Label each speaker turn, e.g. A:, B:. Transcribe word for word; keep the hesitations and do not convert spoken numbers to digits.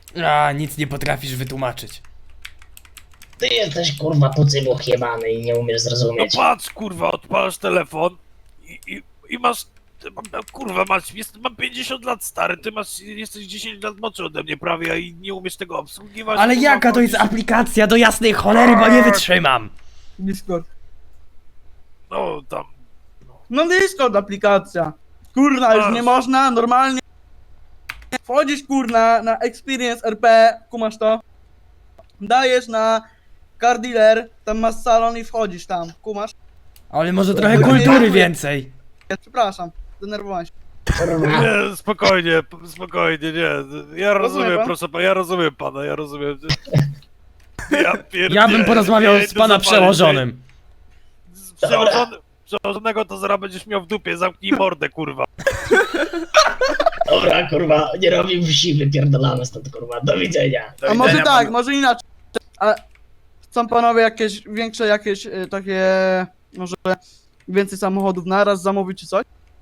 A: A, nic nie potrafisz wytłumaczyć.
B: Ty jesteś kurwa pucybuch jebany i nie umiesz
C: No
B: zrozumieć.
C: patrz, kurwa, odpalasz telefon i, i, i masz... Ty, mam, kurwa, masz, jest, mam pięćdziesiąt lat, stary, ty masz, jesteś dziesięć lat młodszy ode mnie prawie, a i nie umiesz tego obsługiwać.
A: Ale
C: kurwa,
A: jaka to jest aplikacja do jasnej cholery, bo nie wytrzymam!
D: Discord.
C: No, tam...
D: No Discord aplikacja. Kurna, już nie można, normalnie. Wchodzisz kurna na Experience R P, kumasz to. Dajesz na Car Dealer, tam masz salon i wchodzisz tam, kumasz.
A: Ale może trochę kultury więcej.
D: Przepraszam, zdenerwowałem się.
B: Kurwa.
C: Nie, spokojnie, p- spokojnie, nie. Ja rozumiem,
D: pan?
C: proszę pana, ja rozumiem pana, ja rozumiem. Ja pierdolę.
A: Ja bym porozmawiał
C: ja
A: z
C: idę
A: pana
C: zapalić,
A: przełożonym.
C: Z przełożony, przełożonego to zaraz będziesz miał w dupie, zamknij mordę, kurwa.
B: Dobra, kurwa, nie robię wsi, wypierdolamy stąd, kurwa. Do widzenia.
D: A może tak, może inaczej. A chcą panowie jakieś większe, jakieś y, takie, może więcej samochodów naraz zamówić czy coś?